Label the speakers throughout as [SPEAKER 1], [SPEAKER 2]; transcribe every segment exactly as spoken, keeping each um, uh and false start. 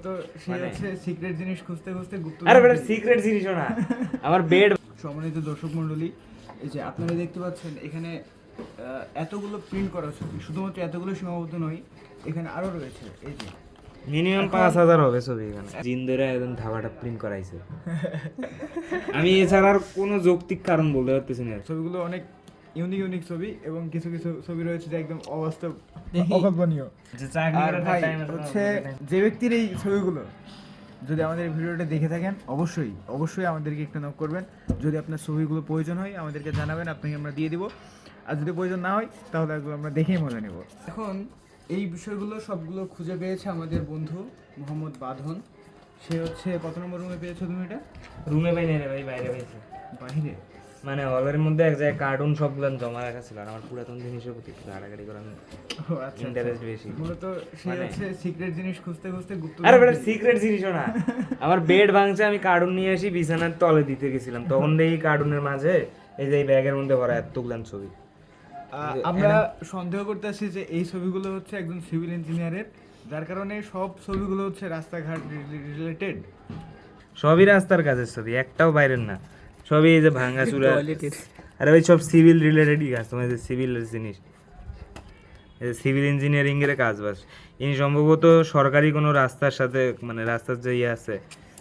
[SPEAKER 1] মূলত সে হচ্ছে সিক্রেট জিনিস খুঁজতে খুঁজতে গুপ্ত
[SPEAKER 2] আরে বেটা সিক্রেট জিনিসও না আমার বেড।
[SPEAKER 1] সম্মানিত দর্শক মণ্ডলী, এই যে আপনারা দেখতে পাচ্ছেন এখানে আহ, এতগুলো প্রিন্ট করা ছবি, শুধুমাত্র এতগুলো সীমাবদ্ধ নয়, এখানে আরো রয়েছে। এই যে
[SPEAKER 2] মিনিমাম পাঁচ হাজার হবে ছবি এখানে জিন ধরে একদম ধাবাটা প্রিন্ট করাইছে। আমি এছাড়া আর কোনো যৌক্তিক কারণ বলতে পারতেছি না।
[SPEAKER 1] ছবিগুলো অনেক ইউনিক ইউনিক ছবি, এবং কিছু কিছু ছবি রয়েছে যে একদম অবাস্তব, অকল্পনীয়।
[SPEAKER 2] যে চাকরি
[SPEAKER 1] আর
[SPEAKER 2] করার
[SPEAKER 1] ভাই
[SPEAKER 2] time আছে,
[SPEAKER 1] হচ্ছে যে ব্যক্তির এই ছবিগুলো, যদি আমাদের এই ভিডিওটা দেখে থাকেন অবশ্যই অবশ্যই আমাদেরকে একটু নক করবেন। যদি আপনার ছবিগুলো প্রয়োজন হয় আমাদেরকে জানাবেন, আপনাকে আমরা দিয়ে দিব। আর যদি প্রয়োজন না হয় তাহলে এগুলো আমরা দেখেই মজা নেব। এখন এই বিষয়গুলো সবগুলো খুঁজে পেয়েছে আমাদের বন্ধু মোহাম্মদ বাঁধন। সে হচ্ছে কত নম্বর রুমে পেয়েছো তুমি এটা?
[SPEAKER 2] রুমে পাই না রে ভাই, বাইরে পাইছে।
[SPEAKER 1] বাইরে
[SPEAKER 2] মানে হলের মধ্যে এক জায়গায় কার্টুন সবগুলো জমা রাখা ছিল, আর আমার পুরাতন জিনিসের প্রতি একটু ঘাটাঘাটি করার
[SPEAKER 1] ও আচ্ছা,
[SPEAKER 2] ইন্টারেস্ট বেশি।
[SPEAKER 1] মূলত সে
[SPEAKER 2] মানে-
[SPEAKER 1] হচ্ছে সিক্রেট জিনিস খুঁজতে খুঁজতে গুপ্ত
[SPEAKER 2] আরে বেটা সিক্রেট জিনিসও না আমার বেড ভাঙছে, আমি কার্টুন নিয়ে আসি বিছানার তলে দিতে গেছিলাম, তখন দেখি কার্টুনের মাঝে এই যে এই ব্যাগের মধ্যে ভরা এতগুলান ছবি।
[SPEAKER 1] আহ, আমরা সন্দেহ করতেছি যে এই ছবিগুলো হচ্ছে একজন সিভিল ইঞ্জিনিয়ারের, যার কারণে সব ছবিগুলো হচ্ছে রাস্তাঘাট রিলেটেড।
[SPEAKER 2] সবই রাস্তার কাজের ছবি, একটাও বাইরের না। সবই এই যে ভাঙা চুরা। আরে ভাই সব সিভিল রিলেটেডই কাজ, তোমার যে সিভিল জিনিস, সিভিল ইঞ্জিনিয়ারিং এর কাজ বাস। ইনি সম্ভবত সরকারি কোনো রাস্তার সাথে, মানে রাস্তার যে ইয়ে আছে।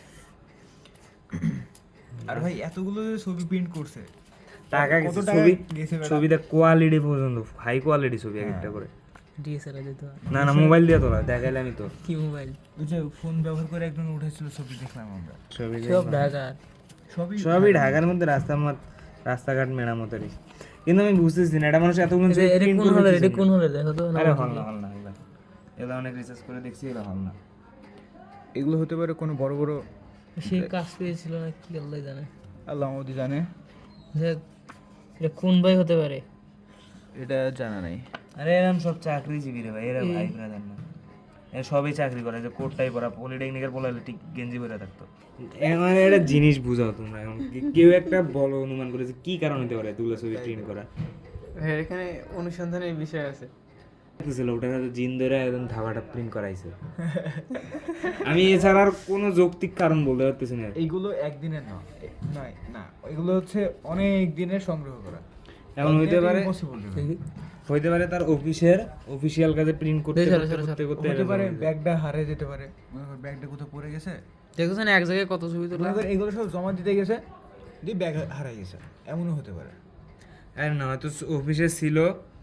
[SPEAKER 1] আর ভাই এতগুলো যে ছবি প্রিন্ট করছে,
[SPEAKER 2] টাকা
[SPEAKER 1] কত
[SPEAKER 2] গেছে
[SPEAKER 1] টাকা
[SPEAKER 2] ছবি,
[SPEAKER 1] গেছে ম্যাডাম?
[SPEAKER 2] ছবিটা কোয়ালিটি পর্যন্ত হাই কোয়ালিটি ছবি এক একটা করে।
[SPEAKER 3] ডিএসএলআর দিতে হয়।
[SPEAKER 2] না না মোবাইল দিয়ে তোলা দেখাইলে আমি তো
[SPEAKER 3] কি মোবাইল?
[SPEAKER 1] ওই যে ফোন ব্যবহার করে একজন উঠেছিল ছবি, দেখলাম আমরা।
[SPEAKER 2] ছবি
[SPEAKER 3] সব ঢাকা।
[SPEAKER 1] সবই
[SPEAKER 2] সবই ঢাকার মধ্যে রাস্তা রাস্তাঘাট মেরামতেরই। কিন্তু আমি বুঝতেছি না এটা মানুষ এতগুলো
[SPEAKER 3] এটা এটা কোন হলে এটা কোন হলে দেখো তো।
[SPEAKER 2] আরে হল না হল না এগুলা এগুলা অনেক রিসার্চ করে দেখছি, এগুলা হল না।
[SPEAKER 1] এগুলো হতে পারে কোনো বড় বড়,
[SPEAKER 3] সে কাজ পেয়েছিল না কি আল্লাহ জানে।
[SPEAKER 1] আল্লাহ আমাদের জানে,
[SPEAKER 3] যে এটা কোন ভাই হতে পারে?
[SPEAKER 1] এটা জানা নাই।
[SPEAKER 2] আরে এরকম সব চাকরিজীবী রে ভাই, এরা ভাই ব্রাদার না, এরা সবই চাকরি করে। যে কোটটাই পরা পলিটেকনিকের পড়ালে ঠিক গেঞ্জি পরে থাকতো। মানে একটা জিনিস বুঝাও তোমরা, এখন কি- কেউ একটা বলো অনুমান করে যে কি কারণ হতে পারে এতগুলো ছবি প্রিন্ট করা।
[SPEAKER 3] হ্যাঁ, এখানে অনুসন্ধানের বিষয় আছে।
[SPEAKER 2] ছিল ওটা হয়তো জিন ধরে একদম ধাবাটা প্রিন্ট করাইছে। আমি এছাড়া আর কোনো যৌক্তিক কারণ বলতে পারতেছি না।
[SPEAKER 1] এইগুলো একদিনের না, নয় না, এগুলো হচ্ছে অনেক দিনের সংগ্রহ করা।
[SPEAKER 2] এমন হইতে পারে,
[SPEAKER 1] পসিবল
[SPEAKER 2] হইতে পারে তার অফিসের অফিসিয়াল কাজে প্রিন্ট করতে
[SPEAKER 3] চলো,
[SPEAKER 2] করতে
[SPEAKER 3] চলো,
[SPEAKER 2] করতে করতে
[SPEAKER 1] হতে
[SPEAKER 2] এরকম
[SPEAKER 1] পারে
[SPEAKER 2] হয়ে যায়।
[SPEAKER 1] ব্যাগটা হারিয়ে যেতে পারে, মনে কর ব্যাগটা কোথাও পড়ে গেছে,
[SPEAKER 3] দেখছেন এক জায়গায় কত ছবি তোলা।
[SPEAKER 1] মনে কর এগুলো সব জমা দিতে গেছে, দিয়ে ব্যাগ হারিয়ে গেছে, এমনও হতে পারে।
[SPEAKER 2] আর না হয়তো অফিসে ছিল,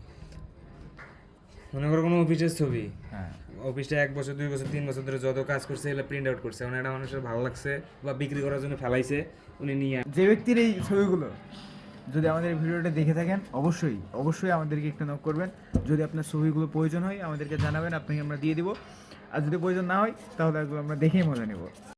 [SPEAKER 2] মনে করো কোনো অফিসের ছবি,
[SPEAKER 1] হ্যাঁ,
[SPEAKER 2] অফিসটা এক বছর দুই বছর তিন বছর ধরে যত কাজ করছে এগুলো প্রিন্ট আউট করছে, মানে একটা মানুষের ভালো লাগছে বা বিক্রি করার জন্য ফেলাইছে, উনি নিয়ে
[SPEAKER 1] যে ব্যক্তির এই ছবিগুলো, যদি আমাদের এই ভিডিওটা দেখে থাকেন অবশ্যই অবশ্যই আমাদেরকে একটু নক করবেন। যদি আপনার ছবিগুলো প্রয়োজন হয় আমাদেরকে জানাবেন, আপনাকে আমরা দিয়ে দিব। আর যদি প্রয়োজন না হয় তাহলে এগুলো আমরা দেখেই মজা নেব।